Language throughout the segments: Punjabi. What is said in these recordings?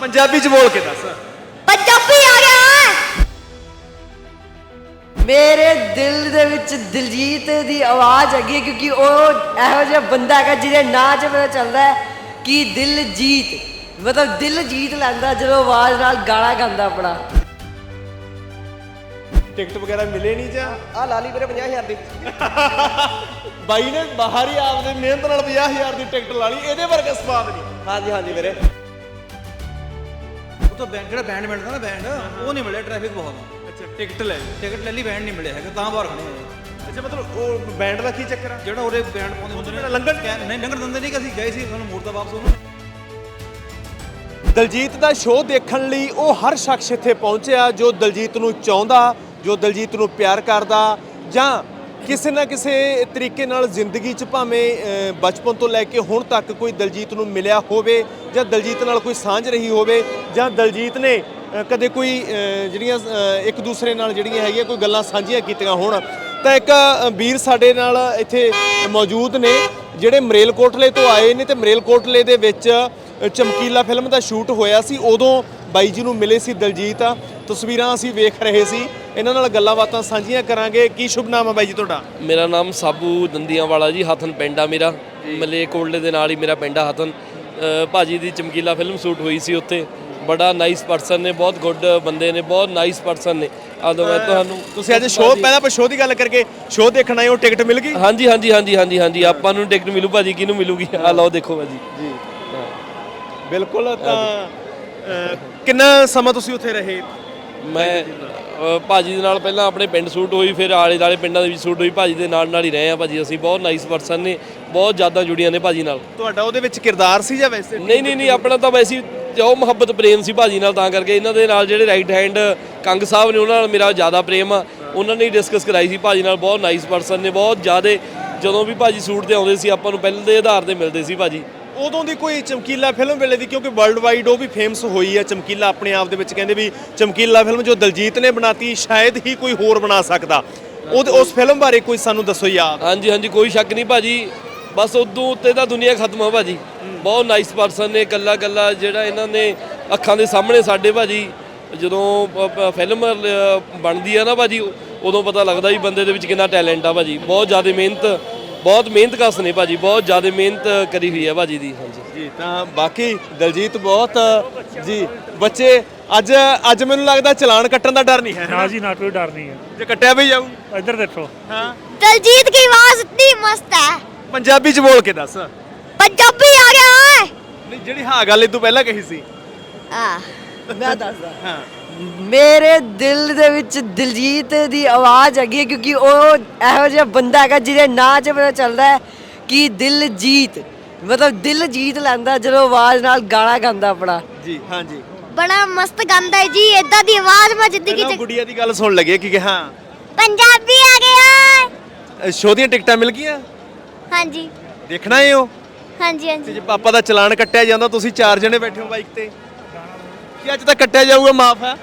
ਪੰਜਾਬੀ ਚ ਬੋਲ ਕੇ ਦੱਸ। ਪੰਜਾਬੀ ਆ ਗਿਆ। ਮੇਰੇ ਦਿਲ ਦੇ ਵਿੱਚ ਦਿਲਜੀਤ ਦੀ ਆਵਾਜ਼ ਹੈਗੀ ਕਿਉਂਕਿ ਉਹ ਇਹੋ ਜਿਹਾ ਬੰਦਾ ਹੈਗਾ ਜਿਹਦੇ ਨਾਂ 'ਚ ਪਤਾ ਚੱਲਦਾ ਹੈ ਕਿ ਦਿਲਜੀਤ ਮਤਲਬ ਦਿਲ ਜੀਤ ਲੈਂਦਾ ਜਦੋਂ ਆਵਾਜ਼ ਨਾਲ ਗਾਣਾ ਗਾਉਂਦਾ ਆਪਣਾ। ਟਿਕਟ ਵਗੈਰਾ ਮਿਲੇ ਨਹੀਂ ਜਾਂ ਆ ਲਾ ਲਈ ਵੀਰੇ 50,000 ਦੀ। ਬਾਈ ਨੇ ਬਾਹਰ ਹੀ ਆਪਦੇ ਮਿਹਨਤ ਨਾਲ 50,000 ਦੀ ਟਿਕਟ ਲਾ ਲਈ, ਇਹਦੇ ਵਰਗਾ ਸਵਾਦ ਨਹੀਂ। ਹਾਂਜੀ ਹਾਂਜੀ ਵੀਰੇ। ਉਹ ਤਾਂ ਜਿਹੜਾ ਬੈਂਡ ਮਿਲਦਾ ਨਾ ਬੈਂਡ ਉਹ ਨਹੀਂ ਮਿਲਿਆ, ਟ੍ਰੈਫਿਕ ਬਹੁਤ ਆ। ਅੱਛਾ ਟਿਕਟ ਲੈ ਟਿਕਟ ਲੈ ਲਈ, ਬੈਂਡ ਨਹੀਂ ਮਿਲਿਆ ਹੈਗਾ, ਤਾਂ ਬਾਹਰ ਖੜੇ ਆ। ਅੱਛਾ ਮਤਲਬ ਉਹ ਬੈਂਡ ਦਾ ਕੀ ਚੱਕਰ ਆ? ਜਿਹੜਾ ਉਹਦੇ ਬੈਂਡ ਪਾਉਂਦੇ ਹੁੰਦੇ ਨੇ ਲੰਘਣ ਨਹੀਂ ਲੰਘਣ ਦਿੰਦੇ ਨਹੀਂ, ਕਿ ਅਸੀਂ ਗਏ ਸੀ ਸਾਨੂੰ ਮੋੜਦਾ ਵਾਪਸ ਉਹਨੂੰ। ਦਲਜੀਤ ਦਾ ਸ਼ੋਅ ਦੇਖਣ ਲਈ ਉਹ ਹਰ ਸ਼ਖਸ ਇੱਥੇ ਪਹੁੰਚਿਆ ਜੋ ਦਲਜੀਤ ਨੂੰ ਚਾਹੁੰਦਾ, ਜੋ ਦਲਜੀਤ ਨੂੰ ਪਿਆਰ ਕਰਦਾ ਜਾਂ ਕਿਸੇ ਨਾ ਕਿਸੇ ਤਰੀਕੇ ਨਾਲ ਜ਼ਿੰਦਗੀ 'ਚ ਭਾਵੇਂ ਬਚਪਨ ਤੋਂ ਲੈ ਕੇ ਹੁਣ ਤੱਕ ਕੋਈ ਦਲਜੀਤ ਨੂੰ ਮਿਲਿਆ ਹੋਵੇ ਜਾਂ ਦਲਜੀਤ ਨਾਲ ਕੋਈ ਸਾਂਝ ਰਹੀ ਹੋਵੇ ਜਾਂ ਦਲਜੀਤ ਨੇ ਕਦੇ ਕੋਈ ਜਿਹੜੀਆਂ ਇੱਕ ਦੂਸਰੇ ਨਾਲ ਜਿਹੜੀਆਂ ਹੈਗੀਆਂ ਕੋਈ ਗੱਲਾਂ ਸਾਂਝੀਆਂ ਕੀਤੀਆਂ ਹੋਣ। ਤਾਂ ਇੱਕ ਵੀਰ ਸਾਡੇ ਨਾਲ ਇੱਥੇ ਮੌਜੂਦ ਨੇ ਜਿਹੜੇ ਮਰੇਲਕੋਟਲੇ ਤੋਂ ਆਏ ਨੇ ਤੇ ਮਰੇਲਕੋਟਲੇ ਦੇ ਵਿੱਚ ਚਮਕੀਲਾ ਫਿਲਮ ਦਾ ਸ਼ੂਟ ਹੋਇਆ ਸੀ, ਉਦੋਂ ਬਾਈ ਜੀ ਨੂੰ ਮਿਲੇ ਸੀ ਦਲਜੀਤ। ਤਸਵੀਰਾਂ ਅਸੀਂ ਵੇਖ ਰਹੇ ਸੀ, ਇਹਨਾਂ ਨਾਲ ਗੱਲਾਂ ਬਾਤਾਂ ਸਾਂਝੀਆਂ ਕਰਾਂਗੇ। ਕੀ ਸ਼ੁਭ ਨਾਮ ਹੈ ਬਾਈ ਜੀ ਤੁਹਾਡਾ? ਮੇਰਾ ਨਾਮ ਸਾਬੂ ਦੰਦੀਆਂ ਵਾਲਾ ਜੀ, ਹਥਨ ਪਿੰਡ ਆ ਮੇਰਾ, ਮਲੇਰਕੋਟਲੇ ਦੇ ਨਾਲ ਹੀ ਮੇਰਾ ਪਿੰਡ ਆ ਹਥਨ। ਭਾਜੀ ਦੀ ਚਮਕੀਲਾ ਫਿਲਮ ਸ਼ੂਟ ਹੋਈ ਸੀ ਉੱਥੇ। ਬੜਾ ਨਾਈਸ ਪਰਸਨ ਨੇ, ਬਹੁਤ ਗੁੱਡ ਬੰਦੇ ਨੇ, ਬਹੁਤ ਨਾਈਸ ਪਰਸਨ ਨੇ। ਆਦੋਂ ਮੈਂ ਤੁਹਾਨੂੰ ਤੁਸੀਂ ਅੱਜ ਸ਼ੋਅ ਪਹਿਲਾਂ ਆਪਾਂ ਸ਼ੋਅ ਦੀ ਗੱਲ ਕਰਕੇ ਸ਼ੋਅ ਦੇਖਣ ਆਏ ਹੋ, ਟਿਕਟ ਮਿਲ ਗਈ? ਹਾਂਜੀ ਹਾਂਜੀ ਹਾਂਜੀ ਹਾਂਜੀ ਹਾਂਜੀ ਆਪਾਂ ਨੂੰ ਟਿਕਟ ਮਿਲੂ ਭਾਜੀ, ਕਿਹਨੂੰ ਮਿਲੂਗੀ? ਆ ਲਓ ਦੇਖੋ ਭਾਜੀ ਜੀ। ਬਿਲਕੁਲ। ਤਾਂ ਕਿੰਨਾ ਸਮਾਂ ਤੁਸੀਂ ਉੱਥੇ ਰਹੇ? ਮੈਂ ਭਾਜੀ ਦੇ ਨਾਲ ਪਹਿਲਾਂ ਆਪਣੇ ਪਿੰਡ ਸ਼ੂਟ ਹੋਈ, ਫਿਰ ਆਲੇ ਦੁਆਲੇ ਪਿੰਡਾਂ ਦੇ ਵਿੱਚ ਸ਼ੂਟ ਹੋਈ। ਭਾਜੀ ਦੇ ਨਾਲ ਹੀ ਰਹੇ ਆ ਭਾਜੀ ਅਸੀਂ। ਬਹੁਤ ਨਾਈਸ ਪਰਸਨ ਨੇ, ਬਹੁਤ ਜ਼ਿਆਦਾ ਜੁੜੀਆਂ ਨੇ ਭਾਜੀ ਨਾਲ। ਤੁਹਾਡਾ ਉਹਦੇ ਵਿੱਚ ਕਿਰਦਾਰ ਸੀ ਜਾਂ ਵੈਸੇ? ਨਹੀਂ ਆਪਣਾ ਤਾਂ ਵੈਸੇ ਜੋ ਮੁਹੱਬਤ ਪ੍ਰੇਮ ਸੀ ਭਾਜੀ ਨਾਲ, ਤਾਂ ਕਰਕੇ ਇਹਨਾਂ ਦੇ ਨਾਲ ਜਿਹੜੇ ਰਾਈਟ ਹੈਂਡ ਕੰਗ ਸਾਹਿਬ ਨੇ ਉਹਨਾਂ ਨਾਲ ਮੇਰਾ ਜ਼ਿਆਦਾ ਪ੍ਰੇਮ ਆ। ਉਹਨਾਂ ਨੇ ਡਿਸਕਸ ਕਰਾਈ ਸੀ ਭਾਜੀ ਨਾਲ। ਬਹੁਤ ਨਾਈਸ ਪਰਸਨ ਨੇ, ਬਹੁਤ ਜ਼ਿਆਦਾ। ਜਦੋਂ ਵੀ ਭਾਜੀ ਸ਼ੂਟ ਤੇ ਆਉਂਦੇ ਸੀ ਆਪਾਂ ਨੂੰ ਪਹਿਲੇ ਦੇ ਆਧਾਰ ਤੇ ਮਿਲਦੇ ਸੀ ਭਾਜੀ। ਉਦੋਂ ਦੀ ਕੋਈ ਚਮਕੀਲਾ ਫਿਲਮ ਵੇਲੇ ਦੀ, ਕਿਉਂਕਿ ਵਰਲਡ ਵਾਈਡ ਉਹ ਵੀ ਫੇਮਸ ਹੋਈ ਹੈ ਚਮਕੀਲਾ ਆਪਣੇ ਆਪ ਦੇ ਵਿੱਚ, ਕਹਿੰਦੇ ਵੀ ਚਮਕੀਲਾ ਫਿਲਮ ਜੋ ਦਲਜੀਤ ਨੇ ਬਣਾਤੀ ਸ਼ਾਇਦ ਹੀ ਕੋਈ ਹੋਰ ਬਣਾ ਸਕਦਾ। ਉਸ ਫਿਲਮ ਬਾਰੇ ਕੋਈ ਸਾਨੂੰ ਦੱਸੋ ਯਾਦ। ਹਾਂਜੀ ਹਾਂਜੀ ਕੋਈ ਸ਼ੱਕ ਨਹੀਂ ਭਾਜੀ, ਬਸ ਉਦੋਂ ਉੱਤੇ ਤਾਂ ਦੁਨੀਆ ਖਤਮ ਆ ਭਾਜੀ। ਬਹੁਤ ਨਾਈਸ ਪਰਸਨ ਨੇ, ਕੱਲਾ ਜਿਹੜਾ ਇਹਨਾਂ ਨੇ ਅੱਖਾਂ ਦੇ ਸਾਹਮਣੇ ਸਾਡੇ ਭਾਜੀ ਜਦੋਂ ਫਿਲਮ ਬਣਦੀ ਆ ਨਾ ਭਾਜੀ, ਉਦੋਂ ਪਤਾ ਲੱਗਦਾ ਵੀ ਬੰਦੇ ਦੇ ਵਿੱਚ ਕਿੰਨਾ ਟੈਲੈਂਟ ਆ ਭਾਜੀ। ਬਹੁਤ ਜ਼ਿਆਦਾ ਮਿਹਨਤ ਕਸ ਨੇ ਭਾਜੀ, ਬਹੁਤ ਜ਼ਿਆਦਾ ਮਿਹਨਤ ਕਰੀ ਹੋਈ ਹੈ ਭਾਜੀ ਦੀ। ਹਾਂਜੀ ਜੀ। ਤਾਂ ਬਾਕੀ ਦਲਜੀਤ ਬਹੁਤ ਜੀ ਬੱਚੇ ਅੱਜ ਮੈਨੂੰ ਲੱਗਦਾ ਚਲਾਨ ਕੱਟਣ ਦਾ ਡਰ ਨਹੀਂ ਹੈ ਨਾ ਜੀ, ਨਾ ਕੋਈ ਡਰ नहीं है। ਜੇ ਕੱਟਿਆ ਵੀ ਜਾਊ। इधर देखो। ਹਾਂ ਦਿਲਜੀਤ ਦੀ ਆਵਾਜ਼ ਇਤਨੀ ਮਸਤ ਹੈ। ਪੰਜਾਬੀ ਚ ਬੋਲ ਕੇ ਦੱਸ। ਪੰਜਾਬੀ ਆ ਗਿਆ। ਨਹੀਂ ਜਿਹੜੀ ਹਾਂ ਗੱਲ ਇਹ ਤੋਂ ਪਹਿਲਾਂ ਕਹੀ ਸੀ। ਮੈਂ ਦੱਸਦਾ। ਹਾਂ ਮੇਰੇ ਦਿਲ ਦੇ ਵਿੱਚ ਦਿਲਜੀਤ ਦੀ ਆਵਾਜ਼ ਹੈਗੀ ਕਿਉਂਕਿ ਉਹ ਇਹੋ ਜਿਹਾ ਬੰਦਾ ਹੈਗਾ ਜਿਹਦੇ ਨਾਂ 'ਚ ਪਤਾ ਚੱਲਦਾ ਹੈ ਕਿ ਦਿਲਜੀਤ ਮਤਲਬ ਦਿਲ ਜੀਤ ਲੈਂਦਾ ਜਦੋਂ ਆਵਾਜ਼ ਨਾਲ ਗਾਣਾ ਗਾਉਂਦਾ ਆਪਣਾ। ਜੀ ਹਾਂਜੀ। ਬੜਾ ਮਸਤ ਗਾਉਂਦਾ ਹੈ ਜੀ। ਇਦਾਂ ਦੀ ਆਵਾਜ਼ ਮੈਂ ਜ਼ਿੰਦਗੀ 'ਚ ਗੁੜੀਆ ਦੀ ਗੱਲ ਸੁਣ ਲੱਗੇ ਕਿ ਹਾਂ ਪੰਜਾਬੀ ਆ ਗਿਆ। ਸ਼ੋਅ ਦੀਆਂ ਟਿਕਟਾਂ ਮਿਲ ਗਈਆਂ? ਹਾਂਜੀ ਦੇਖਣਾ ਹੈ ਉਹ? ਹਾਂਜੀ ਤੇ ਹਾਂਜੀ। ਜੇ ਪਾਪਾ ਦਾ ਚਲਾਨ ਕੱਟਿਆ ਜਾਂਦਾ, ਤੁਸੀਂ 4 ਜਣੇ ਬੈਠੇ ਹੋ ਬਾਈਕ ਤੇ, ਕੀ ਅੱਜ ਤਾਂ ਕੱਟਿਆ ਜਾਊਗਾ? ਮਾਫ ਹੈ।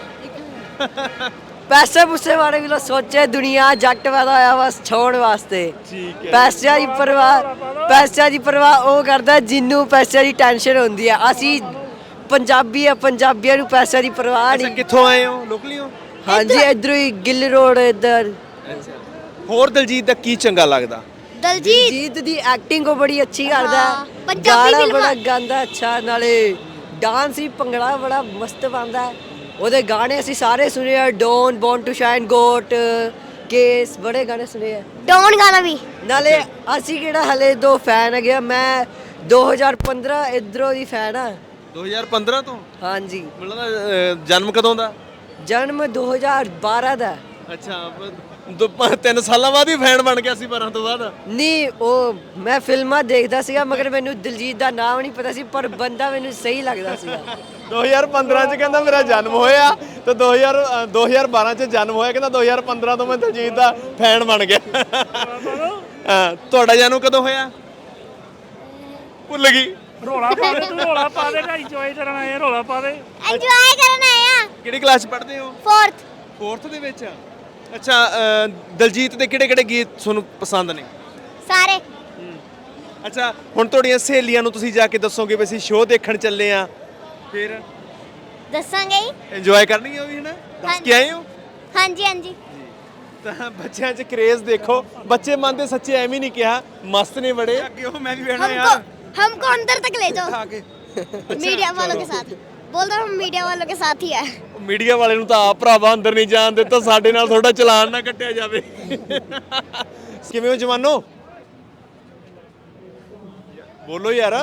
ਪੈਸੇ ਪੂਸੇ ਬਾਰੇ ਵੀ ਲੋ ਸੋਚੇ, ਦੁਨੀਆ ਜੱਟ ਪੈਦਾ ਹੋਇਆ ਬਸ ਛੋੜ ਵਾਸਤੇ। ਠੀਕ ਹੈ। ਪੈਸਿਆਂ ਦੀ ਪਰਵਾਹ ਉਹ ਕਰਦਾ ਜਿਹਨੂੰ ਪੈਸਿਆਂ ਦੀ ਟੈਨਸ਼ਨ ਹੁੰਦੀ ਹੈ। ਅਸੀਂ ਪੰਜਾਬੀ ਆ, ਪੰਜਾਬੀਆਂ ਨੂੰ ਪੈਸਿਆਂ ਦੀ ਪਰਵਾਹ ਅੱਛਾ ਨਹੀਂ। ਕਿੱਥੋਂ ਆਏ ਹੋ? ਲੋਕਲੀ ਹੋ? ਹਾਂਜੀ ਇਧਰੋਂ ਹੀ ਗਿੱਲ ਰੋਡ ਇਧਰ। ਹੋਰ ਦਲਜੀਤ ਦਾ ਕੀ ਚੰਗਾ ਲੱਗਦਾ? ਦਿਲਜੀਤ ਦੀ ਐਕਟਿੰਗ ਉਹ ਬੜੀ ਅੱਛੀ ਕਰਦਾ ਹਾਂ, ਹੈ। ਪੰਜਾਬੀ ਗਾਣਾ ਫਿਲਮਾਂ। ਬੜਾ ਗਾਉਂਦਾ ਅੱਛਾ, ਨਾਲੇ ਡਾਂਸ ਵੀ ਭੰਗੜਾ ਬੜਾ ਮਸਤ ਪਾਉਂਦਾ ਹੈ। ਉਹਦੇ ਗਾਣੇ ਅਸੀਂ ਸਾਰੇ ਸੁਣੇ ਆ। Don, born to shine, goat, case, ਬੜੇ ਗਾਣੇ ਸੁਣੇ ਆ। ਡੌਨ ਗਾਣਾ ਵੀ। ਨਾਲੇ ਅਸੀਂ ਕਿਹੜਾ ਹਲੇ ਦੋ ਫੈਨ ਹੈਗੇ ਆ। ਮੈਂ 2015 ਇਧਰੋਂ ਦੀ ਫੈਨ ਆ। 2015 ਤੋਂ? ਹਾਂਜੀ। ਮਤਲਬ ਜਨਮ ਕਦੋਂ ਦਾ? ਜਨਮ 2012 ਦਾ। ਅੱਛਾ 3 ਸਾਲਾਂ ਬਾਅਦ ਹੀ ਫੈਨ ਬਣ ਗਿਆ ਸੀ 12 ਤੋਂ ਬਾਅਦ? ਨਹੀਂ ਉਹ ਮੈਂ ਫਿਲਮਾਂ ਦੇਖਦਾ ਸੀਗਾ ਮਗਰ ਮੈਨੂੰ ਦਿਲਜੀਤ ਦਾ ਨਾਮ ਨਹੀਂ ਪਤਾ ਸੀ, ਪਰ ਬੰਦਾ ਮੈਨੂੰ ਸਹੀ ਲੱਗਦਾ ਸੀਗਾ। 2015 ਚ ਕਹਿੰਦਾ ਮੇਰਾ ਜਨਮ ਹੋਇਆ ਤੇ 2012 ਚ ਜਨਮ ਹੋਇਆ, ਕਹਿੰਦਾ 2015 ਤੋਂ ਮੈਂ ਦਿਲਜੀਤ ਦਾ ਫੈਨ ਬਣ ਗਿਆ। ਤੁਹਾਡਾ ਜਨਮ ਕਦੋਂ ਹੋਇਆ? ਭੁੱਲ ਗਈ। ਰੋਲਾ ਪਾ ਦੇ ਤੂੰ, ਰੋਲਾ ਪਾ ਦੇ, ਇੰਜੋਏ ਕਰਨ ਆਏ, ਰੋਲਾ ਪਾ ਦੇ। ਇੰਜੋਏ ਕਰਨ ਆਏ ਆ। ਕਿਹੜੀ ਕਲਾਸ ਚ ਪੜ੍ਹਦੇ ਹੋ? 4th 4th ਦੇ ਵਿੱਚ। ਅੱਛਾ ਦਲਜੀਤ ਦੇ ਕਿਹੜੇ ਗੀਤ ਤੁਹਾਨੂੰ ਪਸੰਦ ਨੇ? ਸਾਰੇ। ਅੱਛਾ ਹੁਣ ਤੁਹਾਡੀਆਂ ਸਹੇਲੀਆਂ ਨੂੰ ਤੁਸੀਂ ਜਾ ਕੇ ਦੱਸੋਗੇ ਵੀ ਅਸੀਂ ਸ਼ੋਅ ਦੇਖਣ ਚੱਲੇ ਆ, ਫਿਰ ਦੱਸਾਂਗੇ ਹੀ। ਇੰਜੋਏ ਕਰਨੀ ਉਹ ਵੀ ਹੈ ਨਾ ਦੱਸ ਕੇ ਆਏ ਹੋ ਹਾਂਜੀ ਹਾਂਜੀ ਤਾਂ ਬੱਚਿਆਂ 'ਚ ਕਰੇਜ਼ ਦੇਖੋ ਬੱਚੇ ਮੰਨਦੇ ਸੱਚੇ ਐਵੇਂ ਨਹੀਂ ਕਿਹਾ ਮਸਤ ਨੇ ਬੜੇ ਅੱਗੇ ਉਹ ਮੈਂ ਵੀ ਬਹਿਣਾ हमको अंदर तक ले जाओ मीडिया वालों के साथ बोल रहा हूँ मीडिया वालों के साथ ही है ਮੀਡੀਆ ਵਾਲੇ ਨੂੰ ਤਾਂ ਆਪ ਭਰਾਵਾ ਅੰਦਰ ਨਹੀਂ ਜਾਣ ਦਿੱਤਾ ਸਾਡੇ ਨਾਲ ਤੁਹਾਡਾ ਚਲਾਨ ਨਾ ਕੱਟਿਆ ਜਾਵੇ ਕਿਵੇਂ ਹੋ ਜਵਾਨੋ ਬੋਲੋ ਯਾਰ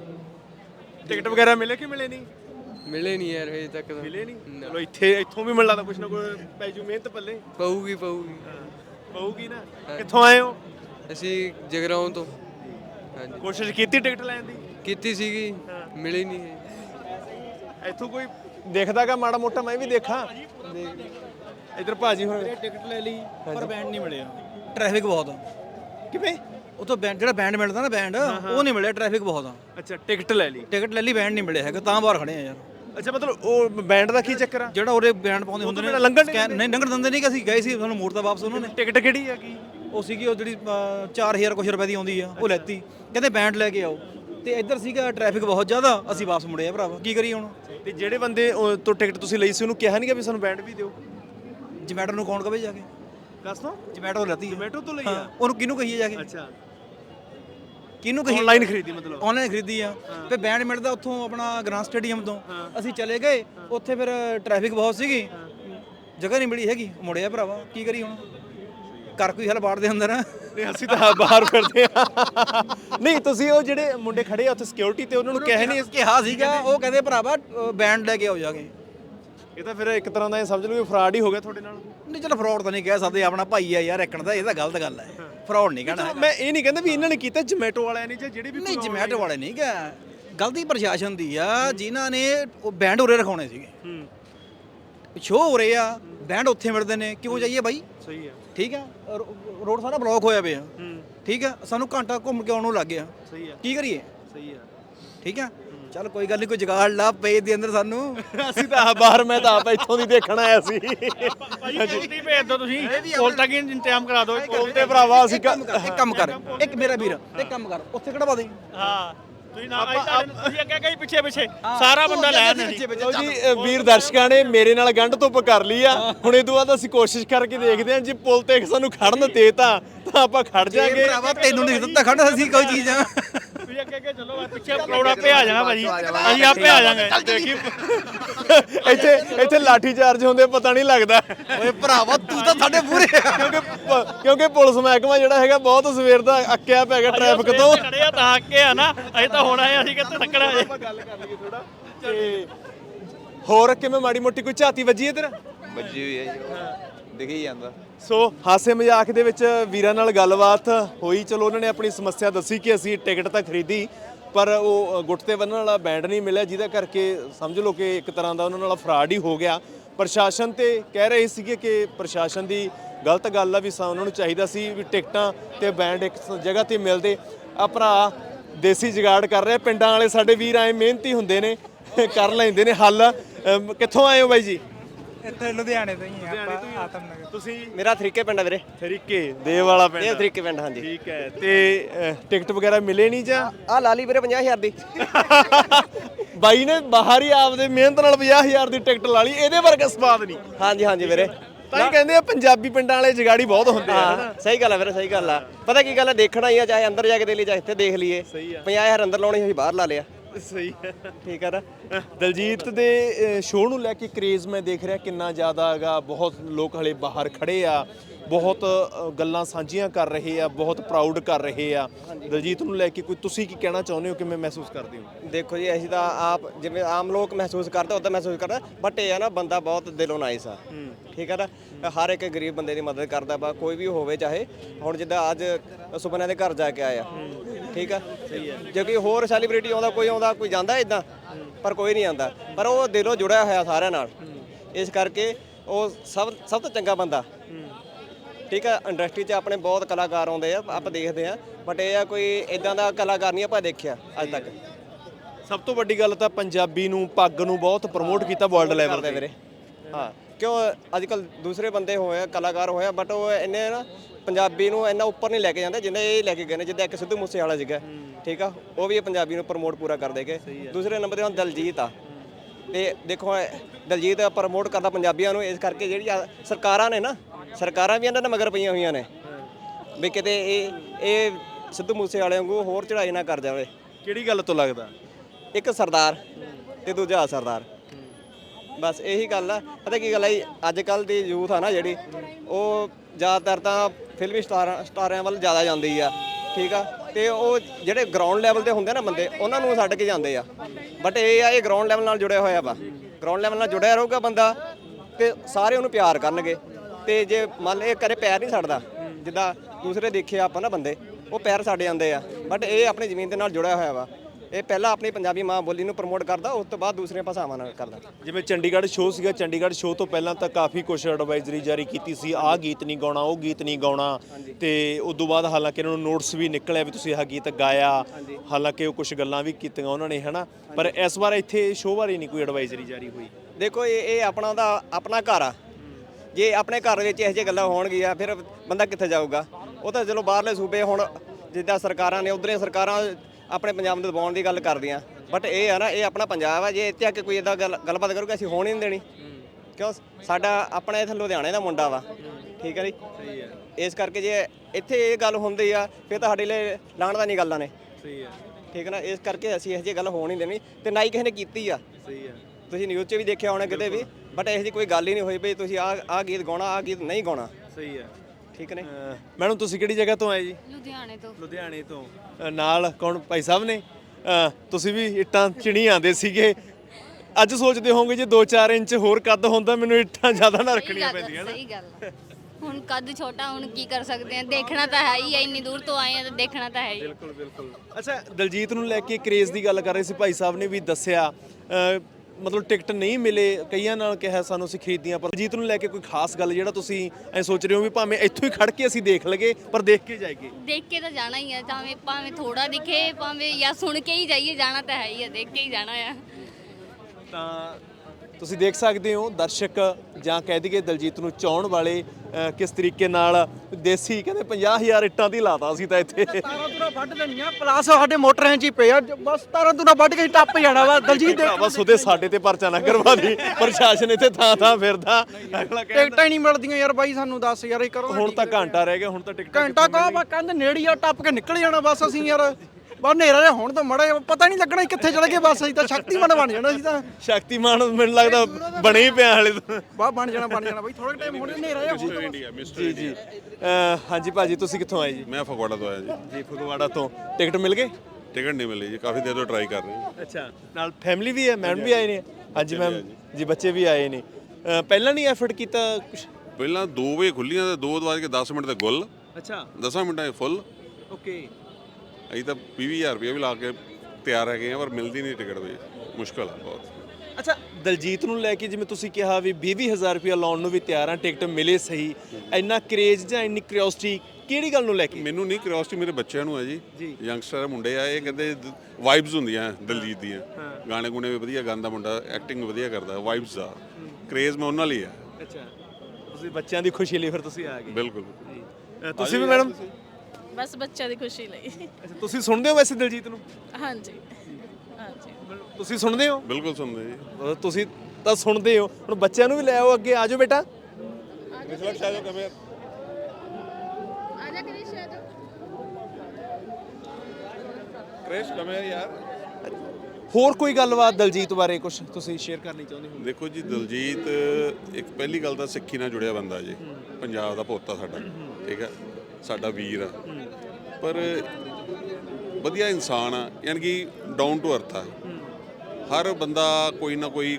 ਟਿਕਟ ਵਗੈਰਾ ਮਿਲੇ ਕਿ ਮਿਲੇ ਨਹੀਂ ਮਿਲੇ ਨਹੀਂ ਯਾਰ ਹਜੇ ਤੱਕ ਤਾਂ ਮਿਲੇ ਨਹੀਂ ਚਲੋ ਇੱਥੋਂ ਵੀ ਮਿਲਦਾ ਕੁਛ ਨਾ ਕੁਛ ਪੈ ਜੂ ਮਿਹਨਤ ਪੱਲੇ ਪਊਗੀ ਪਊਗੀ ਨਾ ਕਿੱਥੋਂ ਆਏ ਹੋ ਅਸੀਂ ਜਗਰਾਉਂ ਤੋਂ ਹਾਂਜੀ ਕੋਸ਼ਿਸ਼ ਕੀਤੀ ਟਿਕਟ ਲੈਣ ਦੀ ਕੀਤੀ ਸੀਗੀ ਮਿਲੀ ਨਹੀਂ ਹੈ ਇੱਥੋਂ ਕੋਈ ਦੇਖਦਾਗਾ ਮਾੜਾ ਮੋਟਾ ਮੈਂ ਵੀ ਦੇਖਾਂ ਇਧਰ ਭਾਜੀ ਹੁਣ ਟਿਕਟ ਲੈ ਲਈ ਪਰ ਬੈਂਡ ਨਹੀਂ ਮਿਲਿਆ ਟ੍ਰੈਫਿਕ ਬਹੁਤ ਆ ਕਿਵੇਂ ਉਥੋਂ ਬੈਂਡ ਜਿਹੜਾ ਬੈਂਡ ਮਿਲਦਾ ਨਾ ਬੈਂਡ ਉਹ ਨਹੀਂ ਮਿਲਿਆ ਟ੍ਰੈਫਿਕ ਬਹੁਤ ਆ ਅੱਛਾ ਟਿਕਟ ਲੈ ਲਈ ਟਿਕਟ ਲੈ ਲਈ ਬੈਂਡ ਨਹੀਂ ਮਿਲਿਆ ਹੈਗਾ ਤਾਂ ਬਾਹਰ ਖੜੇ ਆ ਯਾਰ ਅੱਛਾ ਮਤਲਬ ਉਹ ਬੈਂਡ ਦਾ ਕੀ ਚੱਕਰ ਆ ਜਿਹੜਾ ਉਹਦੇ ਬੈਂਡ ਪਾਉਂਦੇ ਹੁੰਦੇ ਨੇ ਨਹੀਂ ਲੰਘਣ ਦਿੰਦੇ ਨਹੀਂ ਕਿ ਅਸੀਂ ਗਏ ਸੀ ਸਾਨੂੰ ਮੋੜਤਾ ਵਾਪਸ ਉਹਨਾਂ ਨੇ ਟਿਕਟ ਕਿਹੜੀ ਹੈਗੀ ਉਹ ਸੀਗੀ ਉਹ ਜਿਹੜੀ 4000 ਕੁਛ ਰੁਪਏ ਦੀ ਆਉਂਦੀ ਆ ਉਹ ਲੈਤੀ ਕਹਿੰਦੇ ਬੈਂਡ ਲੈ ਕੇ ਆਓ ਤੇ ਇੱਧਰ ਸੀਗਾ ਟ੍ਰੈਫਿਕ ਬਹੁਤ ਜ਼ਿਆਦਾ ਅਸੀਂ ਵਾਪਸ ਮੁੜੇ ਆ ਭਰਾਵਾ ਕੀ ਕਰੀਏ ਹੁਣ ਤੇ ਜਿਹੜੇ ਬੰਦੇ ਤੋਂ ਟਿਕਟ ਤੁਸੀਂ ਲਈ ਸੀ ਉਹਨੂੰ ਕਿਹਾ ਨਹੀਂ ਕਿ ਵੀ ਸਾਨੂੰ ਬੈਂਡ ਵੀ ਦਿਓ ਜਮੈਟੋ ਨੂੰ ਕੌਣ ਕਵੇ ਜਾ ਕੇ ਦੱਸ ਦੋ ਜਮੈਟੋ ਲੈਤੀ ਜੋਮੈਟੋ ਤੋਂ ਲਈ ਹਾਂ, ਆ ਉਹਨੂੰ ਕਿਹਨੂੰ ਕਹੀਏ ਜਾ ਕੇ ਅੱਛਾ ਕਿਹਨੂੰ ਕਹੀਏ ਆਨਲਾਈਨ ਖਰੀਦੀ ਮਤਲਬ ਆਨਲਾਈਨ ਖਰੀਦੀ ਆ ਤੇ ਬੈਂਡ ਮਿਲਦਾ ਉੱਥੋਂ ਆਪਣਾ ਗ੍ਰਾਂਡ ਸਟੇਡੀਅਮ ਤੋਂ ਅਸੀਂ ਚਲੇ ਗਏ ਉੱਥੇ ਫਿਰ ਟ੍ਰੈਫਿਕ ਬਹੁਤ ਸੀਗੀ ਜਗ੍ਹਾ ਨਹੀਂ ਮਿਲੀ ਹੈਗੀ ਮੁੜਿਆ ਭਰਾਵਾ ਕੀ ਕਰੀ ਹੁਣ ਕਰ ਕੋਈ ਹਲ ਬਾੜ ਦੇ ਅੰਦਰ ਨਹੀਂ ਅਸੀਂ ਤਾਂ ਬਾਹਰ ਫਿਰਦੇ ਆ ਨਹੀਂ ਤੁਸੀਂ ਉਹ ਜਿਹੜੇ ਮੁੰਡੇ ਖੜੇ ਆ ਉੱਥੇ ਸਿਕਿਉਰਿਟੀ ਤੇ ਉਹਨਾਂ ਨੂੰ ਕਹਿ ਨਹੀਂ ਕਿਹਾ ਸੀਗਾ ਉਹ ਕਹਿੰਦੇ ਭਰਾਵਾ ਬੈਂਡ ਲੈ ਕੇ ਆਓ ਜਾ ਕੇ ਇਹ ਤਾਂ ਫਿਰ ਇੱਕ ਤਰ੍ਹਾਂ ਦਾ ਇਹ ਸਮਝ ਲਓ ਵੀ ਫਰਾਡ ਹੀ ਹੋ ਗਿਆ ਤੁਹਾਡੇ ਨਾਲ ਨਹੀਂ ਚਲੋ ਫਰਾਡ ਤਾਂ ਨਹੀਂ ਕਹਿ ਸਕਦੇ ਆਪਣਾ ਭਾਈ ਆ ਯਾਰ ਇੱਕਣ ਦਾ ਇਹ ਤਾਂ ਗਲਤ ਗੱਲ ਹੈ ਫਰਾਡ ਨਹੀਂ ਕਹਿਣਾ ਮੈਂ ਇਹ ਨਹੀਂ ਕਹਿੰਦਾ ਵੀ ਇਹਨਾਂ ਨੇ ਕੀਤਾ ਜੋਮੈਟੋ ਵਾਲਿਆਂ ਨੇ ਜਾਂ ਜਿਹੜੇ ਵੀ ਨਹੀਂ ਜਮੈਟੋ ਵਾਲੇ ਨਹੀਂ ਗਾ ਗਲਤੀ ਪ੍ਰਸ਼ਾਸਨ ਦੀ ਆ ਜਿਨ੍ਹਾਂ ਨੇ ਉਹ ਬੈਂਡ ਉਰੇ ਰਖਾਉਣੇ ਸੀਗੇ ਸ਼ੋਅ ਹੋ ਰਹੇ ਆ ਬੈਂਡ ਉੱਥੇ ਮਿਲਦੇ ਨੇ ਕਿਉਂ ਜਾਈਏ ਬਾਈ ਸਹੀ ਹੈ ਠੀਕ ਆ ਰੋਡ ਸਾਰਾ ਬਲੌਕ ਹੋਇਆ ਪਿਆ ਠੀਕ ਆ ਸਾਨੂੰ ਘੰਟਾ ਘੁੰਮ ਕੇ ਆਉਣ ਨੂੰ ਲੱਗ ਗਿਆ ਸਹੀ ਹੈ ਕੀ ਕਰੀਏ ਸਹੀ ਹੈ ਠੀਕ ਆ ਚੱਲ ਕੋਈ ਗੱਲ ਨਹੀਂ ਕੋਈ ਜਗਾੜ ਲਾ ਪਏ ਦੇ ਅੰਦਰ ਸਾਨੂੰ ਅਸੀਂ ਤਾਂ ਬਾਹਰ ਮੈਂ ਤਾਂ ਆਪ ਇੱਥੋਂ ਦੀ ਦੇਖਣ ਆਇਆ ਸੀ ਛੁੱਟੀ ਭੇਜ ਦਿਓ ਤੁਸੀਂ ਕੋਲ ਤੱਕ ਹੀ ਇੰਤਜ਼ਾਮ ਕਰਾ ਦਿਓ ਕੋਲ ਤੇ ਭਰਾਵਾ ਅਸੀਂ ਇੱਕ ਕੰਮ ਕਰ ਇੱਕ ਮੇਰਾ ਵੀਰ ਇੱਕ ਕੰਮ ਕਰ ਉੱਥੇ ਕਢਵਾ ਦੇ ਹਾਂ ਤੁਸੀਂ ਨਾ ਤੁਸੀਂ ਅੱਗੇ ਗਈ ਪਿੱਛੇ ਪਿੱਛੇ ਸਾਰਾ ਬੰਦਾ ਲੈ ਆਉਂਦੇ ਜੀ ਲਓ ਜੀ ਵੀਰ ਦਰਸ਼ਕਾਂ ਨੇ ਮੇਰੇ ਨਾਲ ਗੰਢ ਧੁੱਪ ਕਰ ਲਈ ਆ ਹੁਣ ਇਹ ਤੋਂ ਬਾਅਦ ਅਸੀਂ ਕੋਸ਼ਿਸ਼ ਕਰਕੇ ਦੇਖਦੇ ਹਾਂ ਜੇ ਪੁਲ ਤੇ ਸਾਨੂੰ ਖੜਨ ਦੇ ਤਾਂ ਆਪਾਂ ਖੜ ਜਾਾਂਗੇ ਭਰਾਵਾ ਤੈਨੂੰ ਨਹੀਂ ਦਿੱਤਾ ਖੜ ਅਸੀਂ ਕੋਈ ਚੀਜ਼ ਆ ਤੁਸੀਂ ਅੱਗੇ ਚਲੋ ਪਿੱਛੇ ਪਰੌੜਾ ਆਪੇ ਆ ਜਾਣਾ ਭਾਜੀ ਅਸੀਂ ਆਪੇ ਆ ਜਾਾਂਗੇ ਦੇਖੀ ਇੱਥੇ ਲਾਠੀ ਚਾਰਜ ਹੁੰਦੇ ਪਤਾ ਨਹੀਂ ਲੱਗਦਾ ਓਏ ਭਰਾਵਾ ਤੂੰ ਤਾਂ ਸਾਡੇ ਮੂਹਰੇ ਕਿਉਂਕਿ ਪੁਲਿਸ ਮਹਿਕਮਾ ਜਿਹੜਾ ਹੈਗਾ ਬਹੁਤ ਸਵੇਰ ਦਾ ਅੱਕਿਆ ਪੈ ਗਿਆ ਟ੍ਰੈਫਿਕ ਤੋਂ ਖੜੇ ਆ ਤਾਂ ਅੱਕੇ ਆ ਨਾ ਅਸੀਂ ਤਾਂ ਹੁਣ ਆਏ ਅਸੀਂ ਕਿੱਥੇ ਲੱਗਣਾ ਜੇ ਗੱਲ ਕਰ ਲਈਏ ਥੋੜਾ ਤੇ ਹੋਰ ਕਿਵੇਂ ਮਾੜੀ ਮੋਟੀ ਕੋਈ ਝਾਤੀ ਵੱਜੀ ਇਧਰ ਵੱਜੀ ਹੋਈ ਹੈ ਜੀ ਦਿਖੀ ਜਾਂਦਾ ਸੋ ਹਾਸੇ ਮਜ਼ਾਕ ਦੇ ਵਿੱਚ ਵੀਰਾਂ ਨਾਲ ਗੱਲਬਾਤ ਹੋਈ ਚਲੋ ਉਹਨਾਂ ਨੇ ਆਪਣੀ ਸਮੱਸਿਆ ਦੱਸੀ ਕਿ ਅਸੀਂ ਟਿਕਟ ਤਾਂ ਖਰੀਦੀ ਪਰ ਉਹ ਗੁੱਟ ਤੇ ਬੰਨਣ ਵਾਲਾ ਬੈਂਡ ਨਹੀਂ ਮਿਲਿਆ ਜਿਹਦਾ ਕਰਕੇ ਸਮਝ ਲਓ ਕਿ ਇੱਕ ਤਰ੍ਹਾਂ ਦਾ ਉਹਨਾਂ ਨਾਲ ਫਰਾਡ ਹੀ ਹੋ ਗਿਆ ਪ੍ਰਸ਼ਾਸਨ ਤੇ ਕਹਿ ਰਹੇ ਸੀਗੇ ਕਿ ਪ੍ਰਸ਼ਾਸਨ ਦੀ ਗਲਤ ਗੱਲ ਆ ਵੀ ਉਹਨਾਂ ਨੂੰ ਚਾਹੀਦਾ ਸੀ ਵੀ ਟਿਕਟਾਂ ਤੇ ਬੈਂਡ ਇੱਕ ਜਗ੍ਹਾ ਤੇ ਮਿਲਦੇ ਆ ਭਰਾ ਦੇਸੀ ਜੁਗਾੜ ਕਰ ਰਹੇ ਪਿੰਡਾਂ ਵਾਲੇ ਸਾਡੇ ਵੀਰ ਐ ਮਿਹਨਤੀ ਹੁੰਦੇ ਨੇ ਕਰ ਲੈਂਦੇ ਨੇ ਹੱਲ ਕਿੱਥੋਂ ਆਏ ਹੋ ਬਾਈ ਜੀ ਇੱਥੇ ਲੁਧਿਆਣੇ ਤੋਂ ਹੀ ਆਪਾਂ ਆਤਮਨਗਰ ਤੁਸੀਂ ਮੇਰਾ ਤਰੀਕੇ ਪਿੰਡ ਆ ਵੀਰੇ ਤਰੀਕੇ ਦੇਵ ਵਾਲਾ ਪਿੰਡ ਇਹ ਤਰੀਕੇ ਪਿੰਡ ਹਾਂਜੀ ਠੀਕ ਹੈ ਤੇ ਟਿਕਟ ਵਗੈਰਾ ਮਿਲੇ ਨਹੀਂ ਜਾਂ ਆ ਲਾ ਲਈ ਵੀਰੇ 50000 ਦੀ ਬਾਈ ਨੇ ਬਾਹਰ ਹੀ ਆਪਦੇ ਮਿਹਨਤ ਨਾਲ 50000 ਦੀ ਟਿਕਟ ਲਾ ਲਈ ਇਹਦੇ ਵਰਗਾ ਸਵਾਦ ਨਹੀਂ ਹਾਂਜੀ ਹਾਂਜੀ ਵੀਰੇ ਤਾਂ ਹੀ ਕਹਿੰਦੇ ਆ ਪੰਜਾਬੀ ਪਿੰਡਾਂ ਵਾਲੇ ਜਗਾੜੀ ਬਹੁਤ ਹੁੰਦੇ ਆ ਹਾਂ ਸਹੀ ਗੱਲ ਆ ਵੀਰੇ ਸਹੀ ਗੱਲ ਆ ਪਤਾ ਕੀ ਗੱਲ ਆ ਦੇਖਣਾ ਹੀ ਆ ਚਾਹੇ ਅੰਦਰ ਜਾ ਕੇ ਦੇਖ ਲਈ ਚਾਹੇ ਇੱਥੇ ਦੇਖ ਲਈਏ 50000 ਅੰਦਰ ਲਾਉਣੀ ਅਸੀਂ ਬਾਹਰ ਲਾ ਲਿਆ ਸਹੀ ਹੈ ਠੀਕ ਆ ਨਾ ਦਲਜੀਤ ਦੇ ਸ਼ੋਅ ਨੂੰ ਲੈ ਕੇ ਕਰੇਜ਼ ਮੈਂ ਦੇਖ ਰਿਹਾ ਕਿੰਨਾ ਜ਼ਿਆਦਾ ਹੈਗਾ ਬਹੁਤ ਲੋਕ ਹਲੇ ਬਾਹਰ ਖੜੇ ਆ ਬਹੁਤ ਗੱਲਾਂ ਸਾਂਝੀਆਂ ਕਰ ਰਹੇ ਆ ਬਹੁਤ ਪ੍ਰਾਊਡ ਕਰ ਰਹੇ ਆ ਦਲਜੀਤ ਨੂੰ ਲੈ ਕੇ ਕੋਈ ਤੁਸੀਂ ਕੀ ਕਹਿਣਾ ਚਾਹੁੰਦੇ ਹੋ ਕਿਵੇਂ ਮਹਿਸੂਸ ਕਰਦੇ ਹੋ ਦੇਖੋ ਜੀ ਅਸੀਂ ਤਾਂ ਆਪ ਜਿਵੇਂ ਆਮ ਲੋਕ ਮਹਿਸੂਸ ਕਰਦੇ ਉਦਾਂ ਮਹਿਸੂਸ ਕਰਦਾ ਬਟ ਇਹ ਆ ਨਾ ਬੰਦਾ ਬਹੁਤ ਦਿਲੋਂ ਨਾਈਸ ਆ ਠੀਕ ਆ ਨਾ ਹਰ ਇੱਕ ਗਰੀਬ ਬੰਦੇ ਦੀ ਮਦਦ ਕਰਦਾ ਵਾ ਕੋਈ ਵੀ ਹੋਵੇ ਚਾਹੇ ਹੁਣ ਜਿੱਦਾਂ ਅੱਜ ਸੁਪਨਿਆਂ ਦੇ ਘਰ ਜਾ ਕੇ ਆਇਆ ਠੀਕ ਆ ਸਹੀ ਹੈ ਜੇ ਕੋਈ ਹੋਰ ਸੈਲੀਬ੍ਰਿਟੀ ਆਉਂਦਾ ਕੋਈ ਜਾਂਦਾ ਇਦਾਂ ਪਰ ਕੋਈ ਨਹੀਂ ਆਉਂਦਾ ਪਰ ਉਹ ਦਿਲੋਂ ਜੁੜਿਆ ਹੋਇਆ ਸਾਰਿਆਂ ਨਾਲ ਇਸ ਕਰਕੇ ਉਹ ਸਭ ਤੋਂ ਚੰਗਾ ਬੰਦਾ ਠੀਕ ਆ ਇੰਡਸਟਰੀ 'ਚ ਆਪਣੇ ਬਹੁਤ ਕਲਾਕਾਰ ਆਉਂਦੇ ਆ ਆਪਾਂ ਦੇਖਦੇ ਆ ਬਟ ਇਹ ਆ ਕੋਈ ਇਦਾਂ ਦਾ ਕਲਾਕਾਰ ਨਹੀਂ ਆਪਾਂ ਦੇਖਿਆ ਅੱਜ ਤੱਕ ਸਭ ਤੋਂ ਵੱਡੀ ਗੱਲ ਤਾਂ ਪੰਜਾਬੀ ਨੂੰ ਪੱਗ ਨੂੰ ਬਹੁਤ ਪ੍ਰਮੋਟ ਕੀਤਾ ਵਰਲਡ ਲੈਵਲ ਤੇ ਵੀਰੇ ਹਾਂ ਕਿਉਂ ਅੱਜ ਕੱਲ ਦੂਸਰੇ ਬੰਦੇ ਹੋਏ ਆ ਕਲਾਕਾਰ ਹੋਏ ਆ ਬਟ ਉਹ ਇੰਨੇ ਨਾ ਪੰਜਾਬੀ ਨੂੰ ਇੰਨਾ ਉੱਪਰ ਨਹੀਂ ਲੈ ਕੇ ਜਾਂਦੇ ਜਿੰਨੇ ਇਹ ਲੈ ਕੇ ਗਏ ਨੇ ਜਿੱਦਾਂ ਇੱਕ ਸਿੱਧੂ ਮੂਸੇ ਵਾਲਾ ਸੀਗਾ ਠੀਕ ਆ ਉਹ ਵੀ ਪੰਜਾਬੀ ਨੂੰ ਪ੍ਰਮੋਟ ਪੂਰਾ ਕਰ ਦੇਗੇ ਦੂਸਰੇ ਨੰਬਰ ਤੇ ਹੁਣ ਦਲਜੀਤ ਆ ਤੇ ਦੇਖੋ ਦਲਜੀਤ ਪ੍ਰਮੋਟ ਕਰਦਾ ਪੰਜਾਬੀਆਂ ਨੂੰ, ਇਸ ਕਰਕੇ ਜਿਹੜੀ ਸਰਕਾਰਾਂ ਨੇ ਨਾ, ਸਰਕਾਰਾਂ ਵੀ ਇਹਨਾਂ ਦੇ ਮਗਰ ਪਈਆਂ ਹੋਈਆਂ ਨੇ ਵੀ ਕਿਤੇ ਇਹ ਸਿੱਧੂ ਮੂਸੇ ਵਾਲਿਆਂ ਵਾਂਗੂ ਹੋਰ ਚੜ੍ਹਾਈ ਨਾ ਕਰ ਜਾਵੇ। ਕਿਹੜੀ ਗੱਲ ਤੋਂ ਲੱਗਦਾ? ਇੱਕ ਸਰਦਾਰ ਤੇ ਦੂਜਾ ਸਰਦਾਰ, ਬਸ ਇਹੀ ਗੱਲ ਆ। ਪਤਾ ਕੀ ਗੱਲ ਹੈ, ਅੱਜ ਕੱਲ ਦੀ ਯੂਥ ਆ ਨਾ ਜਿਹੜੀ, ਉਹ ਜ਼ਿਆਦਾਤਰ ਤਾਂ ਫਿਲਮੀ ਸਟਾਰਾਂ ਵੱਲ ਜ਼ਿਆਦਾ ਜਾਂਦੀ ਆ, ਠੀਕ ਆ। ਤੇ ਉਹ ਜਿਹੜੇ ਗਰਾਊਂਡ ਲੈਵਲ ਤੇ ਹੁੰਦੇ ਨਾ ਬੰਦੇ, ਉਹਨਾਂ ਨੂੰ ਛੱਡ ਕੇ ਜਾਂਦੇ ਆ। ਬਟ ਇਹ ਆ, ਇਹ ਗਰਾਊਂਡ ਲੈਵਲ ਨਾਲ ਜੁੜਿਆ ਹੋਇਆ ਵਾ, ਗਰਾਊਂਡ ਲੈਵਲ ਨਾਲ ਜੁੜਿਆ ਰਹੂਗਾ ਬੰਦਾ ਤੇ ਸਾਰੇ ਉਹਨੂੰ ਪਿਆਰ ਕਰਨਗੇ। ਤੇ ਜੇ ਮੰਨ ਲਏ ਕਦੇ ਪੈਰ ਨਹੀਂ ਛੱਡਦਾ, ਜਿੱਦਾਂ ਦੂਸਰੇ ਦੇਖੇ ਆਪਾਂ ਨਾ ਬੰਦੇ, ਉਹ ਪੈਰ ਛੱਡ ਜਾਂਦੇ ਆ, ਬਟ ਇਹ ਆਪਣੀ ਜ਼ਮੀਨ ਦੇ ਨਾਲ ਜੁੜਿਆ ਹੋਇਆ ਵਾ। ਇਹ ਪਹਿਲਾਂ ਆਪਣੀ ਪੰਜਾਬੀ ਮਾਂ ਬੋਲੀ ਨੂੰ ਪ੍ਰਮੋਟ ਕਰਦਾ, ਉਸ ਤੋਂ ਬਾਅਦ ਦੂਸਰੀਆਂ ਭਾਸ਼ਾਵਾਂ ਨਾਲ ਕਰਦਾ। ਜਿਵੇਂ ਚੰਡੀਗੜ੍ਹ ਸ਼ੋਅ ਸੀਗਾ, ਚੰਡੀਗੜ੍ਹ ਸ਼ੋਅ ਤੋਂ ਪਹਿਲਾਂ ਤਾਂ ਕਾਫੀ ਕੁਝ ਐਡਵਾਈਜ਼ਰੀ ਜਾਰੀ ਕੀਤੀ ਸੀ, ਆਹ ਗੀਤ ਨਹੀਂ ਗਾਉਣਾ, ਉਹ ਗੀਤ ਨਹੀਂ ਗਾਉਣਾ, ਤੇ ਉਸ ਤੋਂ ਬਾਅਦ ਹਾਲਾਂਕਿ ਇਹਨਾਂ ਨੂੰ ਨੋਟਿਸ ਵੀ ਨਿਕਲਿਆ ਵੀ ਤੁਸੀਂ ਆਹ ਗੀਤ ਗਾਇਆ, ਹਾਲਾਂਕਿ ਉਹ ਕੁਝ ਗੱਲਾਂ ਵੀ ਕੀਤੀਆਂ ਉਹਨਾਂ ਨੇ, ਹਨਾ। ਪਰ ਇਸ ਵਾਰ ਇੱਥੇ ਸ਼ੋਅ ਬਾਰੇ ਨਹੀਂ ਕੋਈ ਐਡਵਾਈਜ਼ਰੀ ਜਾਰੀ ਹੋਈ। ਦੇਖੋ ਇਹ ਆਪਣਾ ਘਰ ਆ, ਜੇ ਆਪਣੇ ਘਰ ਵਿੱਚ ਇਹੋ ਜਿਹੀਆਂ ਗੱਲਾਂ ਹੋਣਗੀਆਂ ਫਿਰ ਬੰਦਾ ਕਿੱਥੇ ਜਾਊਗਾ। ਉਹ ਤਾਂ ਚਲੋ ਬਾਹਰਲੇ ਸੂਬੇ ਹੁਣ ਜਿੱਦਾਂ ਸਰਕਾਰਾਂ ਨੇ, ਉਧਰਲੀਆਂ ਸਰਕਾਰਾਂ ਆਪਣੇ ਪੰਜਾਬ ਨੂੰ ਦਬਾਉਣ ਦੀ ਗੱਲ ਕਰਦੀਆਂ, ਬਟ ਇਹ ਆ ਨਾ, ਇਹ ਆਪਣਾ ਪੰਜਾਬ ਆ। ਜੇ ਇੱਥੇ ਆ ਕੇ ਕੋਈ ਇੱਦਾਂ ਗੱਲਬਾਤ ਕਰੂਗਾ, ਅਸੀਂ ਹੋਣ ਹੀ ਨਹੀਂ ਦੇਣੀ, ਕਿਉਂ ਸਾਡਾ ਆਪਣਾ ਇੱਥੇ ਲੁਧਿਆਣੇ ਦਾ ਮੁੰਡਾ ਵਾ, ਠੀਕ ਹੈ ਜੀ। ਸਹੀ ਹੈ। ਇਸ ਕਰਕੇ ਜੇ ਇੱਥੇ ਇਹ ਗੱਲ ਹੁੰਦੀ ਆ ਫਿਰ ਤਾਂ ਸਾਡੇ ਲਈ ਲਾਣ ਦਾ ਨਹੀਂ ਗੱਲਾਂ ਨੇ, ਸਹੀ ਹੈ। ਠੀਕ ਹੈ ਨਾ। ਇਸ ਕਰਕੇ ਅਸੀਂ ਇਹੋ ਜਿਹੀ ਗੱਲ ਹੋਣ ਹੀ ਦੇਣੀ, ਤੇ ਨਾ ਹੀ ਕਿਸੇ ਨੇ ਕੀਤੀ ਆ। ਸਹੀ ਹੈ। ਤੁਸੀਂ ਨਿਊਜ਼ 'ਚ ਵੀ ਦੇਖਿਆ ਹੋਣਾ ਕਿਤੇ ਵੀ, ਬਟ ਇਹੋ ਜਿਹੀ ਕੋਈ ਗੱਲ ਹੀ ਨਹੀਂ ਹੋਈ ਵੀ ਤੁਸੀਂ ਆਹ ਗੀਤ ਗਾਉਣਾ, ਆਹ ਗੀਤ ਨਹੀਂ ਗਾਉਣਾ। ਸਹੀ ਹੈ। ਠੀਕ ਨੇ। ਮੈਡਮ ਤੁਸੀਂ ਕਿਹੜੀ ਜਗ੍ਹਾ ਤੋਂ ਆਏ ਜੀ? ਲੁਧਿਆਣੇ ਤੋਂ। ਲੁਧਿਆਣੇ ਤੋਂ। ਨਾਲ ਕੌਣ? ਭਾਈ ਸਾਹਿਬ ਨੇ। ਤੁਸੀਂ ਵੀ ਇੱਟਾਂ ਚਿਣੀ ਆਉਂਦੇ ਸੀਗੇ, ਅੱਜ ਸੋਚਦੇ ਹੋਵੋਗੇ ਜੇ 2-4 ਇੰਚ ਹੋਰ ਕੱਦ ਹੁੰਦਾ ਮੈਨੂੰ ਇੱਟਾਂ ਜ਼ਿਆਦਾ ਨਾ ਰੱਖਣੀਆਂ ਪੈਂਦੀਆਂ ਨਾ। ਸਹੀ ਗੱਲ। ਹੁਣ ਕੱਦ ਛੋਟਾ, ਹੁਣ ਕੀ ਕਰ ਸਕਦੇ ਆ, ਦੇਖਣਾ ਤਾਂ ਹੈ ਹੀ ਆ, ਇੰਨੀ ਦੂਰ ਤੋਂ ਆਏ ਆ ਤਾਂ ਦੇਖਣਾ ਤਾਂ ਹੈ ਹੀ। ਬਿਲਕੁਲ ਬਿਲਕੁਲ। ਅੱਛਾ, ਦਲਜੀਤ ਨੂੰ ਲੈ ਕੇ ਕ੍ਰੇਜ਼ ਦੀ ਗੱਲ ਕਰ ਰਹੇ ਸੀ, ਭਾਈ ਸਾਹਿਬ ਨੇ ਵੀ ਦੱਸਿਆ ਮਤਲਬ ਟਿਕਟ ਨਹੀਂ ਮਿਲੇ, ਕਈਆਂ ਨਾਲ ਕਿਹਾ ਸਾਨੂੰ ਅਸੀਂ ਖਰੀਦੀਆਂ, ਪਰ ਦਲਜੀਤ ਨੂੰ ਲੈ ਕੇ ਕੋਈ ਖਾਸ ਗੱਲ ਜਿਹੜਾ ਤੁਸੀਂ ਐ ਸੋਚ ਰਹੇ ਹੋ ਵੀ ਭਾਵੇਂ ਇੱਥੋਂ ਹੀ ਖੜ ਕੇ ਅਸੀਂ ਦੇਖ ਲਗੇ ਪਰ ਦੇਖ ਕੇ ਜਾਈਏ? ਦੇਖ ਕੇ ਤਾਂ ਜਾਣਾ ਹੀ ਆ, ਭਾਵੇਂ ਥੋੜਾ ਦਿਖੇ, ਭਾਵੇਂ ਜਾਂ ਸੁਣ ਕੇ ਹੀ ਜਾਈਏ, ਜਾਣਾ ਤਾਂ ਹੈ ਹੀ ਆ, ਦੇਖ ਕੇ ਹੀ ਜਾਣਾ ਆ। ਤਾਂ ਤੁਸੀਂ ਦੇਖ ਸਕਦੇ ਹੋ ਦਰਸ਼ਕ ਜਾਂ ਕਹਿ ਦਈਏ ਦਲਜੀਤ ਨੂੰ ਚਾਹਣ ਵਾਲੇ ਕਿਸ ਤਰੀਕੇ ਨਾਲ ਦੇਸੀ ਕਹਿੰਦੇ 50,000 ਇੱਟਾਂ ਦੀ ਲਾਤਾ ਸੀ ਤਾਂ ਇੱਥੇ ਤਾਰਾਂ ਤੁਰਾ ਵੱਢ ਦੇਣੀਆਂ, ਪਲਾਸ ਸਾਡੇ ਮੋਟਰਾਂ 'ਚ ਹੀ ਪਏ ਆ, ਬਸ ਤਾਰਾਂ ਤੁਰਾ ਵੱਢ ਕੇ ਟੱਪ ਜਾਣਾ ਵਾ। ਦਲਜੀਤ ਦੇ ਬਸ ਉਹਦੇ ਸਾਡੇ ਤੇ ਪਰਚਾ ਨਾ ਕਰਵਾ ਦੀ, ਪ੍ਰਸ਼ਾਸਨ ਇੱਥੇ ਥਾਂ ਫਿਰਦਾ, ਅਗਲਾ ਕਹਿੰਦਾ ਟਿਕਟਾਂ ਹੀ ਨਹੀਂ ਮਿਲਦੀਆਂ ਯਾਰ ਬਾਈ, ਸਾਨੂੰ ਦੱਸ ਯਾਰ ਇਹ ਕਰੋ। ਹੁਣ ਤਾਂ ਘੰਟਾ ਰਹਿ ਗਿਆ, ਹੁਣ ਤਾਂ ਟਿਕਟ ਘੰਟਾ ਕਾ ਵਾ, ਕੰਧ ਨੇੜੀ ਆ, ਟੱਪ ਕੇ ਨਿਕਲ ਜਾਣਾ ਬਸ ਅਸੀਂ ਯਾਰ। ਬਸ ਹਨੇਰਾ ਜਿਹਾ ਹੁਣ ਤਾਂ ਮੜਾ ਪਤਾ ਨਹੀਂ ਲੱਗਣਾ ਕਿੱਥੇ ਚਲੇ ਗਏ, ਬਸ ਅਸੀਂ ਤਾਂ ਸ਼ਕਤੀਮਾਨ ਬਣ ਜਾਣਾ ਸੀ ਤਾਂ। ਸ਼ਕਤੀਮਾਨ ਮੈਨੂੰ ਲੱਗਦਾ ਬਣੇ ਹੀ ਪਿਆ ਹਾਲੇ ਤਾਂ। ਵਾਹ ਬਣ ਜਾਣਾ ਬਾਈ, ਥੋੜਾ ਟਾਈਮ ਹੁਣ ਹਨੇਰਾ ਜਿਹਾ ਹੁਣ। ਜੀ ਜੀ। ਹਾਂਜੀ ਭਾਜੀ, ਤੁਸੀਂ ਕਿੱਥੋਂ ਆਏ ਜੀ? ਮੈਂ ਫਗਵਾੜਾ ਤੋਂ ਆਇਆ ਜੀ। ਜੀ ਫਗਵਾੜਾ ਤੋਂ। ਟਿਕਟ ਮਿਲ ਗਏ? ਟਿਕਟ ਨਹੀਂ ਮਿਲੀ ਜੀ, ਕਾਫੀ ਦੇਰ ਤੋਂ ਟਰਾਈ ਕਰ ਰਹੇ ਹਾਂ। ਅੱਛਾ, ਨਾਲ ਫੈਮਿਲੀ ਵੀ ਹੈ, ਮੈਡਮ ਵੀ ਆਏ ਨੇ? ਹਾਂਜੀ ਮੈਮ ਜੀ, ਬੱਚੇ ਵੀ ਆਏ ਨੇ। ਪਹਿਲਾਂ ਨਹੀਂ ਐਫਰਟ ਕੀਤਾ ਕੁਝ? ਪਹਿਲਾਂ 2 ਵਜੇ ਖੁੱਲੀਆਂ ਤੇ 2:10 ਮਿੰਟ ਤੇ ਗੁੱਲ, ਅੱਛਾ 10 ਮਿੰਟਾਂ 'ਚ ਫੁੱਲ। ਓਕੇ। ਅਸੀਂ ਤਾਂ 20,000 ਰੁਪਏ ਵੀ ਲਾ ਕੇ ਤਿਆਰ ਹੈਗੇ ਆ, ਪਰ ਮਿਲਦੀ ਨਹੀਂ ਟਿਕਟ ਵੀ, ਮੁਸ਼ਕਲ ਆ ਬਹੁਤ। ਅੱਛਾ, ਦਲਜੀਤ ਨੂੰ ਲੈ ਕੇ ਜਿਵੇਂ ਤੁਸੀਂ ਕਿਹਾ ਵੀ 20,000 ਰੁਪਏ ਲਾਉਣ ਨੂੰ ਵੀ ਤਿਆਰ ਆ, ਟਿਕਟ ਮਿਲੇ ਸਹੀ, ਇੰਨਾ ਕਰੇਜ਼ ਜਾਂ ਇੰਨੀ ਕਿਉਰਿਓਸਿਟੀ ਕਿਹੜੀ ਗੱਲ ਨੂੰ ਲੈ ਕੇ? ਮੈਨੂੰ ਨਹੀਂ, ਕਿਉਰਿਓਸਿਟੀ ਮੇਰੇ ਬੱਚਿਆਂ ਨੂੰ ਹੈ ਜੀ, ਯੰਗਸਟਰ ਮੁੰਡੇ ਆ, ਇਹ ਕਹਿੰਦੇ ਵਾਈਬਸ ਹੁੰਦੀਆਂ ਦਲਜੀਤ ਦੀਆਂ, ਗਾਣੇ ਗੁਣੇ ਵੀ ਵਧੀਆ ਗਾਉਂਦਾ ਮੁੰਡਾ, ਐਕਟਿੰਗ ਵਧੀਆ ਕਰਦਾ, ਵਾਈਬਸ ਦਾ ਕਰੇਜ਼ ਮੈਂ ਉਹਨਾਂ ਲਈ ਆ। ਅੱਛਾ, ਤੁਸੀਂ ਬੱਚਿਆਂ ਦੀ ਖੁਸ਼ੀ ਲਈ ਫਿਰ ਤੁਸੀਂ ਆ ਗਏ? ਬਿਲਕੁਲ। ਤੁਸੀਂ ਵੀ ਮੈਡਮ? ਬਸ ਬੱਚਿਆਂ ਦੀ ਖੁਸ਼ੀ ਲਈ। ਅੱਛਾ, ਤੁਸੀਂ ਸੁਣਦੇ ਹੋ ਵੈਸੇ ਦਲਜੀਤ ਨੂੰ? ਹਾਂਜੀ ਹਾਂਜੀ। ਤੁਸੀਂ ਸੁਣਦੇ ਹੋ? ਬਿਲਕੁਲ ਸੁਣਦੇ ਜੀ। ਤੁਸੀਂ ਤਾਂ ਸੁਣਦੇ ਹੋ, ਹੁਣ ਬੱਚਿਆਂ ਨੂੰ ਵੀ ਲੈ ਆਓ ਅੱਗੇ, ਆਜੋ ਬੇਟਾ। ਰਿਫਲੈਕਸ ਆ ਜਾਓ ਕਮੇਰ। ਆਜਾ ਕ੍ਰਿਸ਼ ਆਜਾ। ਕ੍ਰਿਸ਼ ਕਮੇਰ ਯਾਰ। ਹੋਰ ਕੋਈ ਗੱਲਬਾਤ ਦਲਜੀਤ ਬਾਰੇ ਕੁਝ ਤੁਸੀਂ ਸ਼ੇਅਰ ਕਰਨੀ ਚਾਹੁੰਦੇ ਹੋ? ਦੇਖੋ ਜੀ, ਦਲਜੀਤ ਇੱਕ ਪਹਿਲੀ ਗੱਲ ਤਾਂ ਸਿੱਖੀ ਨਾਲ ਜੁੜਿਆ ਬੰਦਾ ਜੀ, ਪੰਜਾਬ ਦਾ ਪੋਤਾ ਸਾਡਾ, ਠੀਕ ਹੈ, ਸਾਡਾ ਵੀਰ ਆ, ਪਰ ਵਧੀਆ ਇਨਸਾਨ ਆ, ਯਾਨੀ ਕਿ ਡਾਊਨ ਟੂ ਅਰਥ ਆ। ਹਰ ਬੰਦਾ ਕੋਈ ਨਾ ਕੋਈ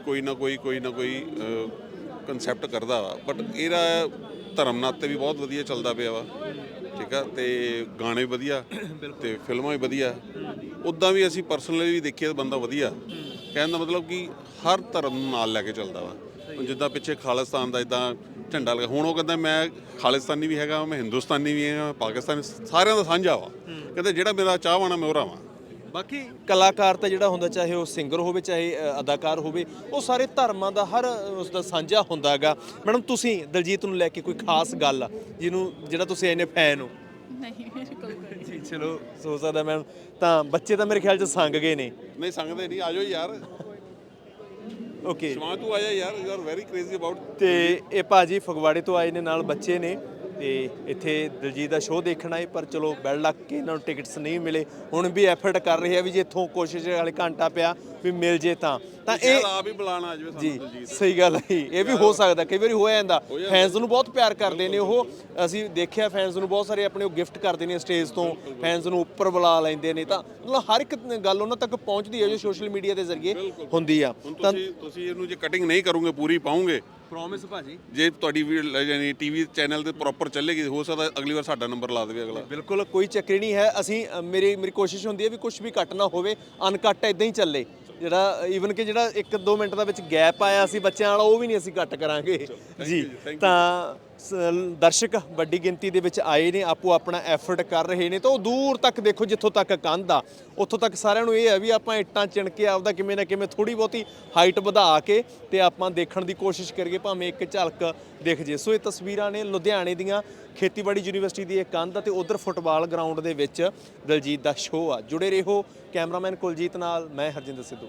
ਕਨਸੈਪਟ ਕਰਦਾ ਵਾ, ਬਟ ਇਹਦਾ ਧਰਮ ਨਾਤੇ ਵੀ ਬਹੁਤ ਵਧੀਆ ਚੱਲਦਾ ਪਿਆ ਵਾ, ਠੀਕ ਆ, ਤੇ ਗਾਣੇ ਵਧੀਆ ਤੇ ਫਿਲਮਾਂ ਵੀ ਵਧੀਆ। ਉੱਦਾਂ ਵੀ ਅਸੀਂ ਪਰਸਨਲੀ ਵੀ ਦੇਖੀਏ, ਬੰਦਾ ਵਧੀਆ, ਕਹਿਣ ਦਾ ਮਤਲਬ ਕਿ ਹਰ ਧਰਮ ਨੂੰ ਨਾਲ ਲੈ ਕੇ ਚੱਲਦਾ ਵਾ। ਜਿੱਦਾਂ ਪਿੱਛੇ ਖਾਲਿਸਤਾਨ ਦਾ ਇਦਾਂ ਝੰਡਾ ਲਗਾ, ਹੁਣ ਉਹ ਕਹਿੰਦਾ ਮੈਂ ਖਾਲਿਸਤਾਨੀ ਵੀ ਹੈਗਾ, ਮੈਂ ਹਿੰਦੁਸਤਾਨੀ ਵੀ ਹੈਗਾ, ਪਾਕਿਸਤਾਨੀ, ਸਾਰਿਆਂ ਦਾ ਸਾਂਝਾ ਵਾ, ਕਹਿੰਦਾ ਜਿਹੜਾ ਮੇਰਾ ਚਾਹਵਾਨ ਆ ਮੈਂ ਉਹਦਾ ਵਾਂ। ਬਾਕੀ ਕਲਾਕਾਰ ਤਾਂ ਜਿਹੜਾ ਹੁੰਦਾ, ਚਾਹੇ ਉਹ ਸਿੰਗਰ ਹੋਵੇ ਚਾਹੇ ਅਦਾਕਾਰ ਹੋਵੇ, ਉਹ ਸਾਰੇ ਧਰਮਾਂ ਦਾ ਹਰ ਉਸ ਦਾ ਸਾਂਝਾ ਹੁੰਦਾ ਹੈਗਾ। ਮੈਡਮ, ਤੁਸੀਂ ਦਲਜੀਤ ਨੂੰ ਲੈ ਕੇ ਕੋਈ ਖਾਸ ਗੱਲ ਜਿਹੜਾ ਤੁਸੀਂ ਇੰਨੇ ਫੈਨ ਹੋ? ਨਹੀਂ ਮੇਰੇ ਕੋਲ ਕੋਈ ਜੀ ਚਲੋ, ਸੋ ਸਕਦਾ ਮੈਮ। ਤਾਂ ਬੱਚੇ ਤਾਂ ਮੇਰੇ ਖਿਆਲ 'ਚ ਸੰਗ ਗਏ ਨੇ। ਨਹੀਂ ਸੰਗਦੇ ਨਹੀਂ, ਆਜੋ ਯਾਰ। ਓਕੇ ਸ਼ਿਵਾਂਸ਼ ਤੂੰ ਆਇਆ ਯਾਰ, you are very crazy about. ਤੇ ਇਹ ਭਾਜੀ ਫਗਵਾੜੇ ਤੋਂ ਆਏ ਨੇ, ਨਾਲ ਬੱਚੇ ਨੇ ਤੇ ਇੱਥੇ ਦਿਲਜੀਤ ਦਾ ਸ਼ੋਅ ਦੇਖਣ ਆਏ, ਪਰ ਚਲੋ ਬੈਲ ਲੱਗ ਕੇ ਇਹਨਾਂ ਨੂੰ ਟਿਕਟਸ ਨਹੀਂ ਮਿਲੇ। ਹੁਣ ਵੀ ਐਫਰਟ ਕਰ ਰਹੇ ਆ ਵੀ ਜੇ ਇੱਥੋਂ ਕੋਸ਼ਿਸ਼ ਵਾਲੇ ਘੰਟਾ ਪਿਆ ਵੀ ਮਿਲ ਜੇ ਤਾਂ ਇਹ ਆਪ ਹੀ ਬੁਲਾਣਾ ਆ ਜਾਵੇ ਜੀ ਸਾਨੂੰ ਦਿਲਜੀਤ। ਸਹੀ ਗੱਲ ਹੈ, ਇਹ ਵੀ ਹੋ ਸਕਦਾ, ਕਈ ਵਾਰੀ ਹੋ ਜਾਂਦਾ। ਫੈਨਸ ਨੂੰ ਬਹੁਤ ਪਿਆਰ ਕਰਦੇ ਨੇ ਉਹ, ਅਸੀਂ ਦੇਖਿਆ ਫੈਨਸ ਨੂੰ ਬਹੁਤ ਸਾਰੇ ਆਪਣੇ ਉਹ ਗਿਫਟ ਕਰਦੇ ਨੇ ਸਟੇਜ ਤੋਂ, ਫੈਨਸ ਨੂੰ ਉੱਪਰ ਬੁਲਾ ਲੈਂਦੇ ਨੇ, ਤਾਂ ਮਤਲਬ ਹਰ ਇੱਕ ਗੱਲ ਉਹਨਾਂ ਤੱਕ ਪਹੁੰਚਦੀ ਹੈ ਜੋ ਸੋਸ਼ਲ ਮੀਡੀਆ ਦੇ ਜ਼ਰੀਏ ਹੁੰਦੀ ਆ। ਹੁਣ ਤੁਸੀਂ ਇਹਨੂੰ ਜੇ ਕਟਿੰਗ ਨਹੀਂ ਕਰੋਗੇ, ਪੂਰੀ ਪਾਉਂਗੇ, ਪ੍ਰੋਮਿਸ ਭਾਜੀ, ਜੇ ਤੁਹਾਡੀ ਯਾਨੀ ਟੀਵੀ ਚੈਨਲ ਤੇ ਪ੍ਰੋਪਰ ਚੱਲੇਗੀ, ਹੋ ਸਕਦਾ ਅਗਲੀ ਵਾਰ ਸਾਡਾ ਨੰਬਰ ਲਾ ਦੇਵੇ ਅਗਲਾ। ਬਿਲਕੁਲ ਕੋਈ ਚੱਕਰ ਨਹੀਂ ਹੈ। ਅਸੀਂ ਮੇਰੀ ਕੋਸ਼ਿਸ਼ ਹੁੰਦੀ ਹੈ ਵੀ ਕੁਝ ਵੀ ਕੱਟ ਨਾ ਹੋਵੇ, ਅਨਕੱਟ ਇਦਾਂ ਹੀ ਚੱਲੇ। ਜਿਹੜਾ ਈਵਨ ਕਿ ਜਿਹੜਾ 1-2 ਮਿੰਟ ਦਾ ਵਿੱਚ ਗੈਪ ਆਇਆ ਸੀ ਬੱਚਿਆਂ ਵਾਲਾ, ਉਹ ਵੀ ਨਹੀਂ ਅਸੀਂ ਕੱਟ ਕਰਾਂਗੇ ਜੀ। ਤਾਂ ਦਰਸ਼ਕ ਵੱਡੀ ਗਿਣਤੀ ਦੇ ਵਿੱਚ ਆਏ ਨੇ, ਆਪੋ ਆਪਣਾ ਐਫਰਟ ਕਰ ਰਹੇ ਨੇ, ਤਾਂ ਉਹ ਦੂਰ ਤੱਕ ਦੇਖੋ, ਜਿੱਥੋਂ ਤੱਕ ਕੰਧ ਆ ਉੱਥੋਂ ਤੱਕ ਸਾਰਿਆਂ ਨੂੰ ਇਹ ਹੈ ਵੀ ਆਪਾਂ ਇੱਟਾਂ ਚਿਣ ਕੇ ਆਪਦਾ ਕਿਵੇਂ ਨਾ ਕਿਵੇਂ ਥੋੜੀ ਬਹੁਤੀ ਹਾਈਟ ਵਧਾ ਕੇ ਤੇ ਆਪਾਂ ਦੇਖਣ ਦੀ ਕੋਸ਼ਿਸ਼ ਕਰੀਏ, ਭਾਵੇਂ ਇੱਕ ਝਲਕ ਦਿਖ ਜੇ। ਸੋ ਇਹ ਤਸਵੀਰਾਂ ਨੇ ਲੁਧਿਆਣੇ ਦੀਆਂ, ਖੇਤੀਬਾੜੀ ਯੂਨੀਵਰਸਿਟੀ ਦੀ ਇਹ ਕੰਧ ਅਤੇ ਉਧਰ ਫੁੱਟਬਾਲ ਗਰਾਊਂਡ ਦੇ ਵਿੱਚ ਦਿਲਜੀਤ ਦਾ ਸ਼ੋਅ ਆ। ਜੁੜੇ ਰਹੋ ਕੈਮਰਾਮੈਨ ਕੁਲਜੀਤ ਨਾਲ, ਮੈਂ ਹਰਜਿੰਦਰ ਸਿੱਧੂ।